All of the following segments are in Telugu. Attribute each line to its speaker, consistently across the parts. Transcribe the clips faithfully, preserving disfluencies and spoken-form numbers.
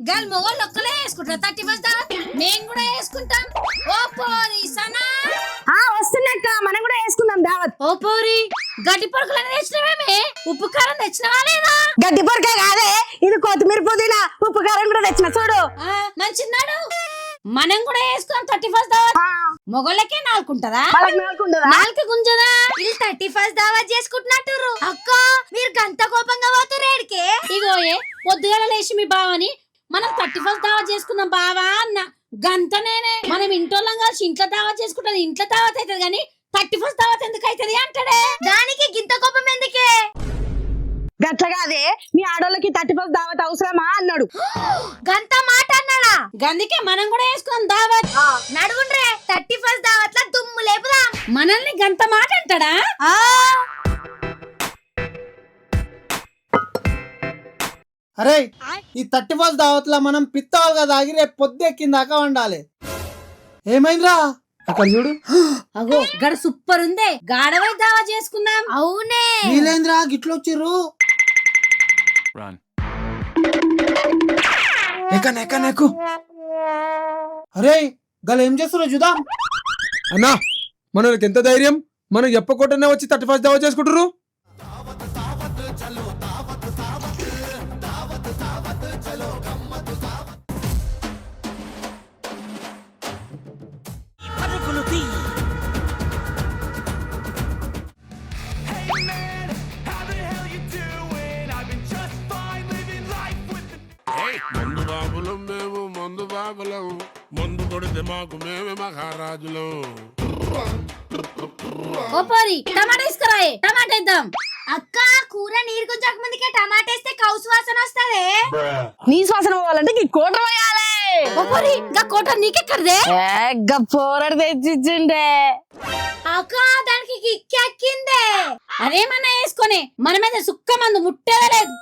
Speaker 1: గల్ మొగోళ్ళు ఒక్కలే వేసుకుంటారు థర్టీ ఫస్ట్ మేము కూడా వేసుకుంటాం. ఓ పోరి సనా
Speaker 2: ఆ వస్తున్నాక మనం కూడా వేసుకుందాం దావత్.
Speaker 1: ఓ పోరి గడ్డి పొరకలని తెచ్చినవేమే, ఉప్పు కారం తెచ్చినవా లేదా?
Speaker 2: గడ్డి పొరకాయ కాదే, ఇది కొత్తిమీర పుదీనా ఉప్పు కారం కూడా తెచ్చిన చూడు.
Speaker 1: మంచిన్నాడు, మనం కూడా వేసుకుందాం థర్టీ ఫస్ట్ దావత్. మొగోళ్ళకే నాలుకుంటదా? నాలుక గుంజదా? వీళ్ళు థర్టీ ఫస్ట్ దావత్ చేసుకుంటున్నట్టు. అక్క మీరు గంత కోపంగా పోతారు ఏడికే? ఇగో ఏ పొద్దుగాల లేచి మీ బావని మనం థర్టీ ఫస్ట్ దావత్ చేసుకుందాం బావా అన్న గంత నేనే. మనం ఇంటోళ్ళం కలిసి ఇంట్లో దావత్ చేసుకుంటది, ఇంట్లో దావత్ అవుతుంది కానీ థర్టీ ఫస్ట్ దావత్ ఎందుకు అవుతుంది అంటాడే. దానికి గింత కోపం ఎందుకే?
Speaker 2: గట్లగాదే మీ ఆడోళ్ళకి థర్టీ ఫస్ట్ దావత్ అవసరమా అన్నాడు.
Speaker 1: గంత మాట అన్నాడా? గందుకే మనం కూడా వేసుకుందాం దావత్. నడువుండ్రే థర్టీ ఫస్ట్ దావత్ లా దుమ్ము లేపుదాం. మనల్ని గంత మాట అంటాడా?
Speaker 3: అరే ఈ థర్టీ ఫస్ట్ దావత్ లా మనం పిత్తాలు కదా ఆగి రేపు పొద్దు ఎక్కిందాకా వండాలి. ఏమైందిరా అక్కడ చూడు.
Speaker 1: అగో గడ సూపర్ ఉందే, గాడవై దావా చేసుకుందాం. అవునే
Speaker 3: వీలేంద్రా గిట్లొచ్చిర్రు. ఎక్కన ఎక్కన ఎక్కు. అరే గల ఏం చేస్తున్నా చూద్దాం.
Speaker 4: అన్నా మనకి ఎంత ధైర్యం, మనం చెప్పకుండానే వచ్చి థర్టీ ఫస్ట్ దావా చేసుకుంటారు.
Speaker 5: మందు బాబులం మేము, మందు బాబులం, మందు కొడితే మాకు మేమే మహారాజులం.
Speaker 1: ఓ పోరి టమాటా ఇసుకరాయే, టమాటా ఇద్దాం. అక్క కూర నీరు కొంచెం ముందుకే టమాటా వేస్తే కౌసు వాసన వస్తదే.
Speaker 2: నీ శ్వాసన పోవాలంటే ఈ కోట పోయాలి.
Speaker 1: ఓ పోరి గా కోట నీకెక్కడదే?
Speaker 2: పోరడు తెచ్చిచ్చిండే.
Speaker 1: అక్క దానికి కిక్కెక్కిందే. అదేమన్నా వేసుకొని మన మీద సుక్క మందు ముట్టేలేదు.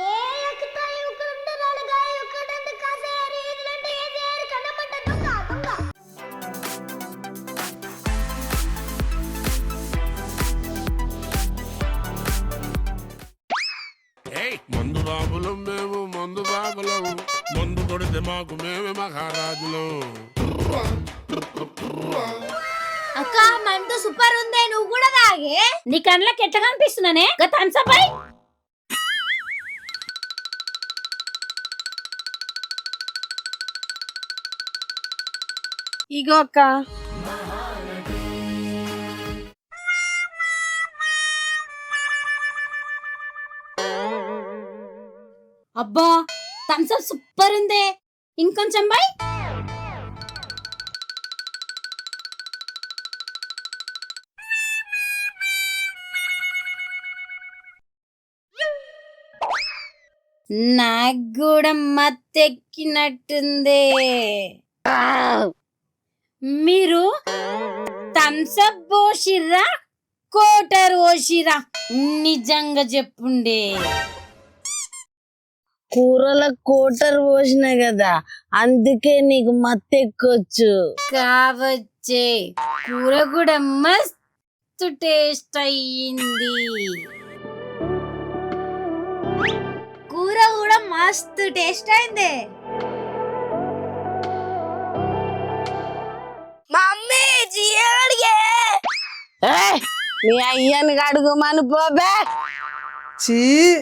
Speaker 5: మందు బాబులం మేము, మందు బాబులం, మందు కొడితే మాకు మేమే మహారాజులం.
Speaker 1: అక్క మందు సూపర్ ఉందే, నువ్వు కూడా తాగే. నీ కళ్ళకి ఎట్లా కనిపిస్తున్నానే గా థమ్స్ అప్ అయి.
Speaker 2: ఇగో అక్క.
Speaker 1: అబ్బా థమ్స్ అప్ సూపర్ ఉందే, ఇంకొంచెం బై. నాకు కూడా మత్తెక్కినట్టుందే. మీరు థమ్స్ అప్ పోసిర్రా కోటర్ పోసిర్రా? నిజంగా చెప్పుండే.
Speaker 2: కూరల కోటర్ పోసిన కదా, అందుకే నీకు మత్తెక్కొచ్చు
Speaker 1: కావచ్చే. కూర కూడా మస్తు టేస్ట్ అయ్యింది. కూర కూడా మస్తు టేస్ట్ అయింది.
Speaker 2: మమ్మీ జీయడిగే మీ అయ్యని అడుగుమను పోబే.
Speaker 3: చీ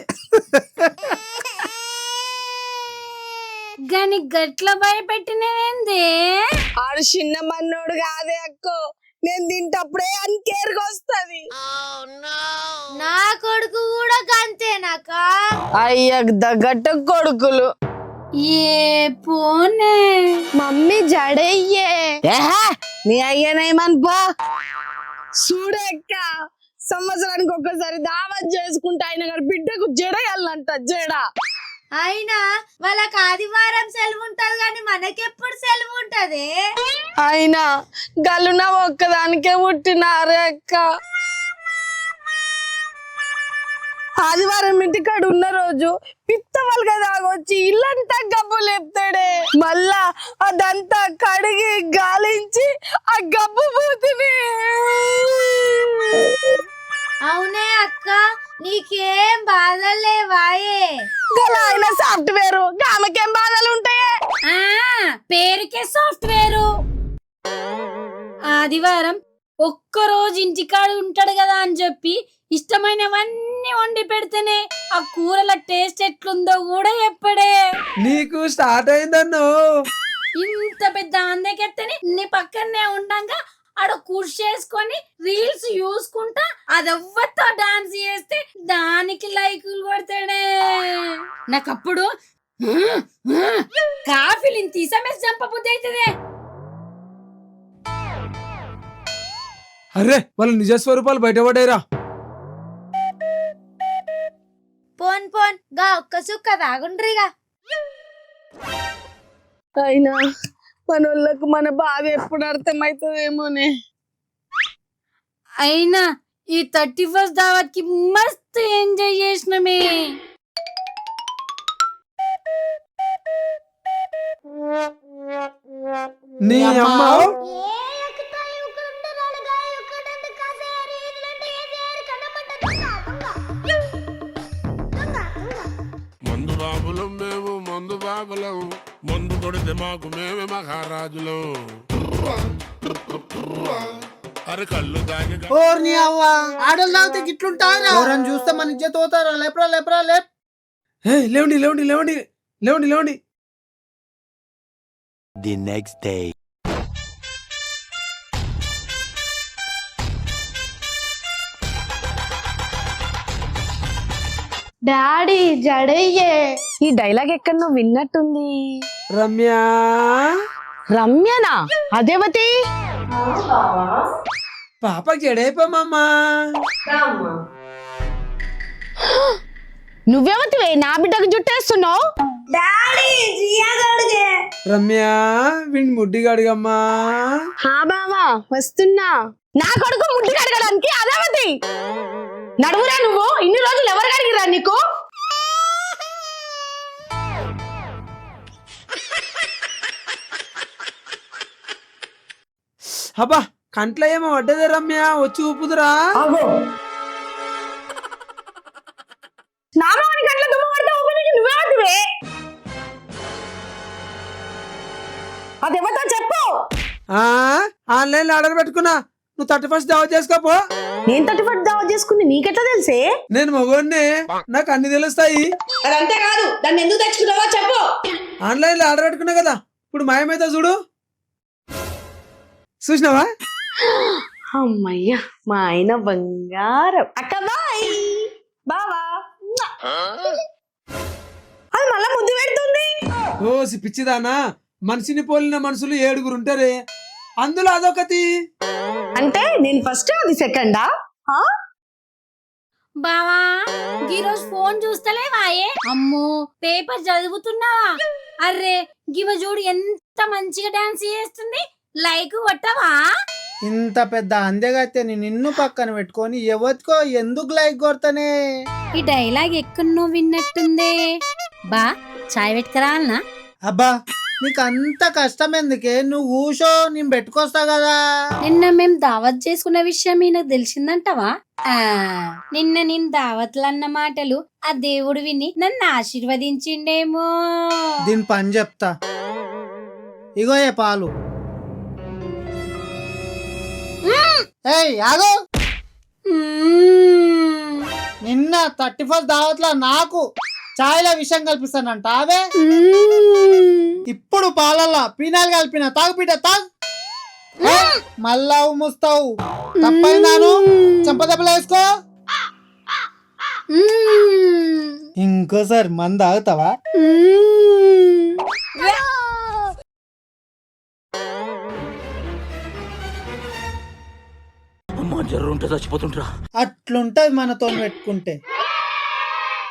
Speaker 1: గాని గట్ల భయపెట్టినవేందే?
Speaker 2: ఆడు చిన్న మన్నోడు కాదే అక్కో, నేను తింటప్పుడే అని కేర్గా వస్తుంది.
Speaker 1: నా కొడుకు కూడా గంతేనాక?
Speaker 2: అయ్యకు తగ్గట్టు కొడుకులు.
Speaker 1: ఏ పోనే
Speaker 2: మమ్మీ జడయ్యే నీ అయ్యనేమని పో. చూడక్క సంవత్సరానికి ఒక్కసారి దావత్ చేసుకుంటా ఆయన గారి బిడ్డకు జడయాలంట. జడ
Speaker 1: అయినా వాళ్ళకి ఆదివారం సెలవు ఉంటది కానీ మనకెప్పుడు సెలవు ఉంటది?
Speaker 2: అయినా గల్లున ఒక్కదానికే పుట్టినారే అక్క. ఆదివారం ఇంటికాడు ఉన్న రోజు పిత్తవల్గా తాగొచ్చి ఇల్లంతా గబ్బు లేపుతాడే. మళ్ళా అదంతా కడిగి గాలించి ఆ గబ్బు పోతుని.
Speaker 1: అవునే అక్క, నీకేం బాధలేవాయే?
Speaker 2: గల ఆయన సాఫ్ట్వేర్ ఆమెకేం బాధలు ఉంటాయి
Speaker 1: పేరుకే సాఫ్ట్వేర్. ఆదివారం ఒక్క రోజు ఇంటికాడ ఉంటాడు కదా అని చెప్పి ఇష్టమైనవన్నీ వండి పెడితేనే ఆ కూరల టేస్ట్ ఎట్లుందో కూడా చెప్పడే.
Speaker 4: నీకు స్టార్ట్ అయిందన్నో.
Speaker 1: ఇంత పెద్ద అందకెత్తని నీ పక్కనే ఉండంగా ఆడ కుర్చీ చేసుకొని రీల్స్ చూసుకుంటా అదెవ్వతో డాన్స్ చేస్తే దానికి లైకులు కొడతాడే. నాకప్పుడు కాఫీలు తీసమేసి చంపబుద్ధి అవుతుంది.
Speaker 4: అరే వాళ్ళ నిజ స్వరూపాలు బయటపడేరా.
Speaker 1: పోన్ పోన్ గా ఒక్క సుక్క తాగుండ్రిగా.
Speaker 2: అయినా మనోళ్ళకు మన బాధ ఎప్పుడు అర్థమవుతుందేమోనే.
Speaker 1: అయినా ఈ థర్టీ ఫస్ట్ దావత్ కి మస్తు ఎంజాయ్ చేసినమే.
Speaker 4: నీ అమ్మ
Speaker 5: మందు బాబులం మేము మందు బాబులం మందు కొడితే మాకు మేమే మహారాజులం అరే కళ్ళు తాగి
Speaker 3: ఓర్ని అవ్వ ఆడలు తాగితే గిట్లుంటారా? ఎవరని చూస్తే మన ఇజ్జత్ పోతారా? లేపరా లేపరా లేప్.
Speaker 4: హే లేవండి లేవండి లేవండి లేవండి లేవండి.
Speaker 6: The next day.
Speaker 2: డాడీ జడయ్యే. ఈ డైలాగ్ ఎక్కడ నువ్వు విన్నట్టుంది.
Speaker 4: రమ్య
Speaker 2: రమ్యనా? అదేవతి
Speaker 4: పాపకి జడైపోమమ్మా.
Speaker 2: నువ్వెవతివే నా బిడ్డకు జుట్టేస్తున్నావు?
Speaker 4: రమ్య వీడిని ముడ్డి గడిగమ్మా.
Speaker 2: హా బావా వస్తున్నా. నా కొడుకు ముడ్డు కడగడానికి అదేవతి. నడువురా నువ్వు. ఇన్ని రోజులు ఎవరు కడిగిరా నీకు?
Speaker 4: అబ్బా కంట్లో ఏమో పడ్డదే రమ్య, వచ్చి ఊపుదురా.
Speaker 2: నామాని గంటల దుమ్ము పడితే ఊపిరికి నువ్వెవతివే? అదేవతో చెప్పు.
Speaker 4: ఆ ఆన్లైన్ లో ఆర్డర్ పెట్టుకున్నా, నువ్వు థర్టీ ఫస్ట్ దావా చేసుకోపో.
Speaker 2: నేను థర్టీ ఫస్ట్ దావా చేసుకుని నీకెట్లా తెలిసే?
Speaker 4: నేను మగోన్నే, నాకు అన్ని తెలుస్తాయి.
Speaker 2: అదంతే కాదు, దాన్ని ఎందుకు తెచ్చుకున్నావో చెప్పు.
Speaker 4: ఆన్లైన్ లో ఆర్డర్ పెట్టుకున్నా కదా, ఇప్పుడు మాయమైతే చూడు. చూసినావా?
Speaker 2: అమ్మయ్యా మా ఆయన బంగారం. అక్క బాయ్. బావా అది మళ్ళా ముద్దు పెడుతుంది.
Speaker 4: ఓసి పిచ్చిదానా, మనిషిని పోలిన మనుషులు ఏడుగురు ఉంటారే, అందులో అదొకటి.
Speaker 2: అంటే నేను ఫస్ట్ అది సెకండా?
Speaker 1: బావా ఈరోజు ఫోన్ చూస్తలేవాయే? అమ్మో పేపర్ చదువుతున్నావా? అర్రే గివ చూడు ఎంత మంచిగా డాన్స్ చేస్తుంది. లైక్ కొట్టవా?
Speaker 3: ఇంత పెద్ద అందెగైతే నిన్ను పక్కన పెట్టుకొని ఎవరికో ఎందుకు లైక్ కొడతానే?
Speaker 1: ఈ డైలాగ్ ఎక్కడో విన్నట్టుందే. బా చాయ్ పెట్టుకురాలనా?
Speaker 3: అబ్బా నీకు అంత కష్టం ఎందుకే? నువ్వు ఊషో నేను పెట్టుకొస్తా కదా.
Speaker 1: నిన్న మేం దావత్ చేసుకున్న విషయం ఈయనకు తెలిసిందంటవా? ఆ నిన్న నేను దావత్లు అన్న మాటలు ఆ దేవుడు విని నన్ను ఆశీర్వదించిండేమో.
Speaker 3: దీని పని చెప్తా. ఇగో ఏ పాలు. ఏయ్ ఆగు.
Speaker 1: మ్మ్.
Speaker 3: నిన్న థర్టీ ఫస్ట్ దావత్లో నాకు చాయ్ల విషయం కల్పిస్తానంట. అవే
Speaker 1: మ్మ్.
Speaker 3: ఇప్పుడు పాలల్లో పీనాలు కలిపిన తాగు పీట తాగు. ఏయ్, మళ్ళా ఉమ్ముస్తావు. తప్పైందాను చెంపదెబ్బలు వేసుకో.
Speaker 1: మ్మ్.
Speaker 3: ఇంకోసారి మంద ఆగుతావా?
Speaker 1: మ్మ్.
Speaker 6: అమ్మా జర్ర ఉంటే చచ్చిపోతుంటరా.
Speaker 3: అట్లుంటది మనతో పెట్టుకుంటే.